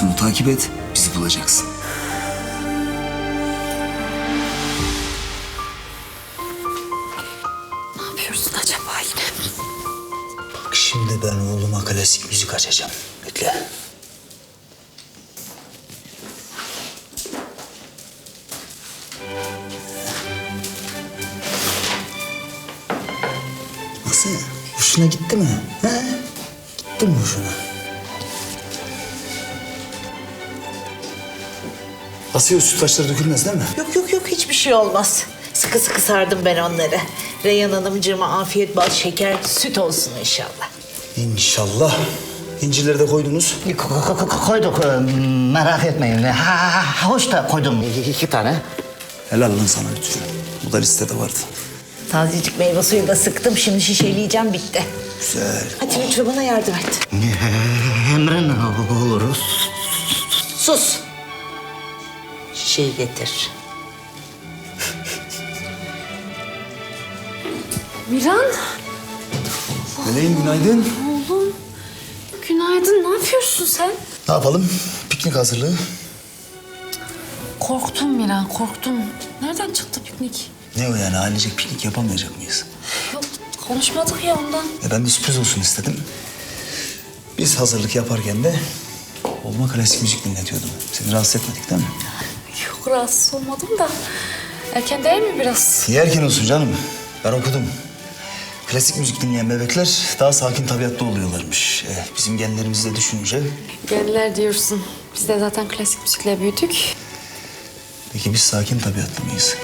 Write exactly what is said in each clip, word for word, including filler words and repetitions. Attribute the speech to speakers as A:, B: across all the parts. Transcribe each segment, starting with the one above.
A: Füsun'u takip et, bizi bulacaksın.
B: Ne yapıyorsun acaba yine?
A: Bak şimdi ben oğluma klasik müzik açacağım. Bekle. Nasıl? Hoşuna gitti mi? He? Gitti mi hoşuna? Asiye, sütlaçları dökülmez değil mi?
C: Yok yok yok hiçbir şey olmaz. Sıkı sıkı sardım ben onları. Reyhan Hanımcığıma afiyet bal şeker süt olsun inşallah.
A: İnşallah. İncirleri de koydunuz.
D: Ko- ko- ko- Koyduk, e, merak etmeyin. Ha, ha, hoş da koydum iki, iki tane.
A: Helal lan sana lütfen. Bu da listede vardı.
C: Tazecik meyve suyu da sıktım. Şimdi şişeleyeceğim bitti.
A: Güzel.
C: Hadi lütfen bana yardım et.
D: Emrin oluruz.
C: Sus. Şişeyi getir.
B: Miran,
A: Meleğim günaydın.
B: oğlum. Günaydın, ne yapıyorsun sen?
A: Ne yapalım? Piknik hazırlığı.
B: Korktum Miran, korktum. Nereden çıktı piknik?
A: Ne o yani, ailecek piknik yapamayacak mıyız?
B: Yok, konuşmadık ya ondan.
A: E ben de sürpriz olsun istedim. Biz hazırlık yaparken de oğluma klasik müzik dinletiyordum. Seni rahatsız etmedik değil mi?
B: Yok, rahatsız olmadım da. Erken değil mi biraz?
A: İyi erken olsun canım. Ben okudum. Klasik müzik dinleyen bebekler daha sakin tabiatlı oluyorlarmış. E, bizim genlerimizi de düşününce.
B: Genler diyorsun. Biz de zaten klasik müzikle büyüdük.
A: Peki biz sakin tabiatlı mıyız?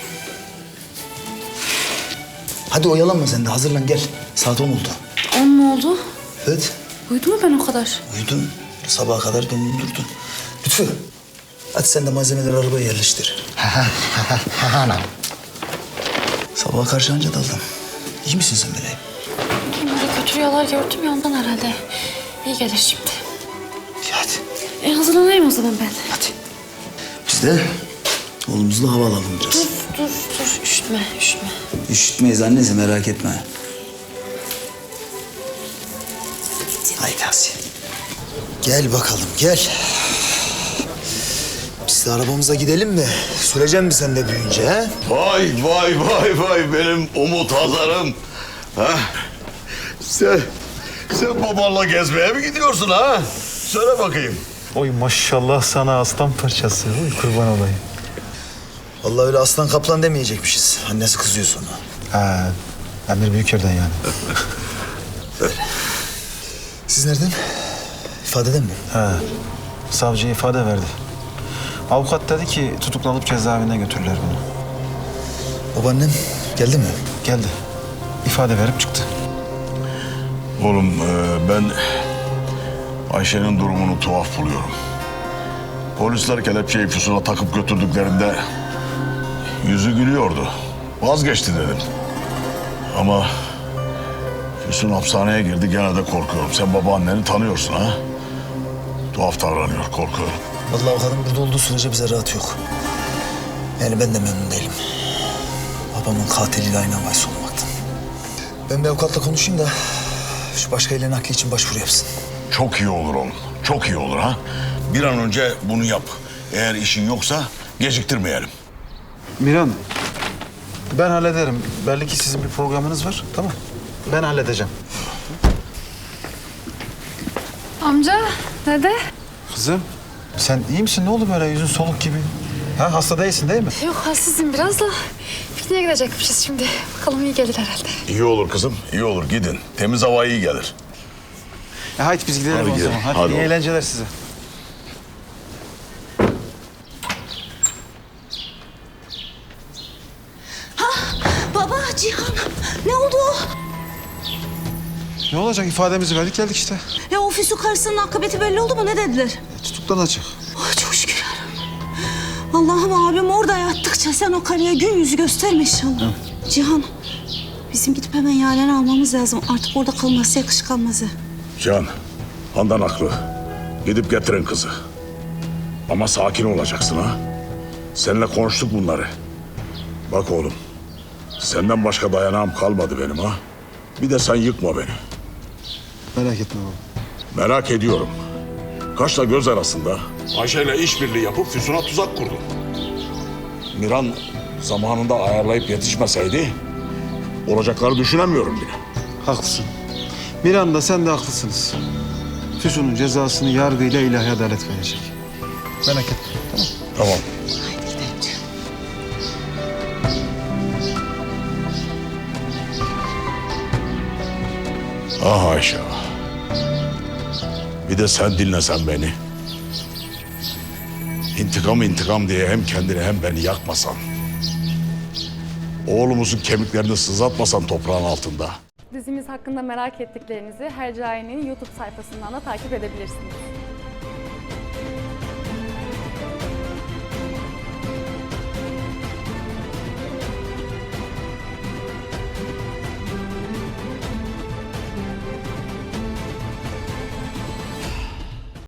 A: Hadi oyalanma sen de, hazırlan gel. Saat on oldu.
B: On mu oldu?
A: Evet.
B: Uyudu mu ben o kadar?
A: Uyudun. Sabaha kadar döndün durdun. Lütfü. Hadi sen de malzemeleri arabaya yerleştir.
D: Hemen.
A: Sabaha karşı anca daldım. İyi misin sen Meleğim?
B: Kim böyle kötü rüyalar gördüm ya ondan herhalde. İyi gelir şimdi.
A: İyi hadi.
B: E hazırlanayım o zaman ben.
A: Hadi. Biz de oğlumuzla hava alalım biraz.
B: Dur, dur, dur. Üşütme, üşütme.
A: Üşütmeyiz annesi, merak etme. Haydi Asiye. Gel bakalım gel. Biz de arabamıza gidelim mi? Süreceğim mi sen de büyüyünce he?
E: Vay vay vay vay benim Umut Hazar'ım. Ha? Sen, sen babanla gezmeye mi gidiyorsun ha? Söyle bakayım.
F: Oy maşallah sana aslan parçası. Oy kurban olayım.
A: Vallahi öyle aslan kaplan demeyecekmişiz. Annesi kızıyor sonra.
F: Ha, Emir Büyüker'den yani.
A: Öyle. Siz nereden? İfadeden mi?
F: Ha, savcı ifade verdi. Avukat dedi ki tutuklanıp cezaevine götürürler bunu.
A: Babaannem geldi mi?
F: Geldi. İfade verip çıktı.
E: Oğlum e, ben Ayşe'nin durumunu tuhaf buluyorum. Polisler kelepçeyi Füsun'a takıp götürdüklerinde yüzü gülüyordu. Vazgeçti dedim. Ama Füsun hapishaneye girdi, gene de korkuyorum. Sen babaanneni tanıyorsun ha? Tuhaf davranıyor, korkuyorum.
A: Vallahi o kadın burada olduğu sürece bize rahat yok. Yani ben de memnun değilim. Babamın katiliyle aynı havayı olmaktan. Ben bir avukatla konuşayım da şu başka ile nakli için başvuru yapsın.
E: Çok iyi olur oğlum. Çok iyi olur ha. Bir an önce bunu yap. Eğer işin yoksa geciktirmeyelim.
F: Miran, ben hallederim. Belli ki sizin bir programınız var. Tamam. Ben halledeceğim.
B: Amca, dede.
F: Kızım, sen iyi misin? Ne oldu böyle? Yüzün soluk gibi. Ha, hasta değilsin değil mi?
B: Yok, halsizim biraz da. Pikniğe gidecekmişiz şimdi. Bakalım iyi gelir herhalde.
E: İyi olur kızım, iyi olur. Gidin. Temiz hava iyi gelir.
F: E, haydi biz gidelim
E: Hadi
F: o
E: gidelim.
F: zaman. Hadi,
E: Hadi
F: iyi
E: oğlum.
F: eğlenceler size.
C: Baba, Cihan. Ne oldu?
F: Ne olacak? İfademizi verdik geldik işte.
G: Ya o Füsun karısının akıbeti belli oldu mu? Ne dediler?
F: E, tutuklanacak.
G: Oh, çok şükür yarabbim. Allah'ım abim orada yattıkça sen o karıya gün yüzü gösterme inşallah. Cihan, bizim gidip hemen Yaren'i almamız lazım. Artık orada kalması yakışık almaz ha.
E: Can, Handan haklı. Gidip getirin kızı. Ama sakin olacaksın ha. Seninle konuştuk bunları. Bak oğlum, senden başka dayanağım kalmadı benim ha. Bir de sen yıkma beni.
F: Merak etme baba.
E: Merak ediyorum. Kaşla göz arasında Ayşe'yle işbirliği yapıp Füsun'a tuzak kurdun. Miran zamanında ayarlayıp yetişmeseydi olacakları düşünemiyorum bile.
F: Haklısın. Miranda sen de haklısınız. Füsun'un cezasını yargıyla ilahi adalet verecek. Merak etme. Tamam.
E: Tamam.
C: Haydi gidelim canım.
E: Ah Ayşe. Bir de sen dinlesen beni. İntikam intikam diye hem kendini hem beni yakmasan. Oğlumuzun kemiklerini sızlatmasan toprağın altında.
B: Dizimiz hakkında merak ettiklerinizi Hercai'nin YouTube sayfasından da takip edebilirsiniz.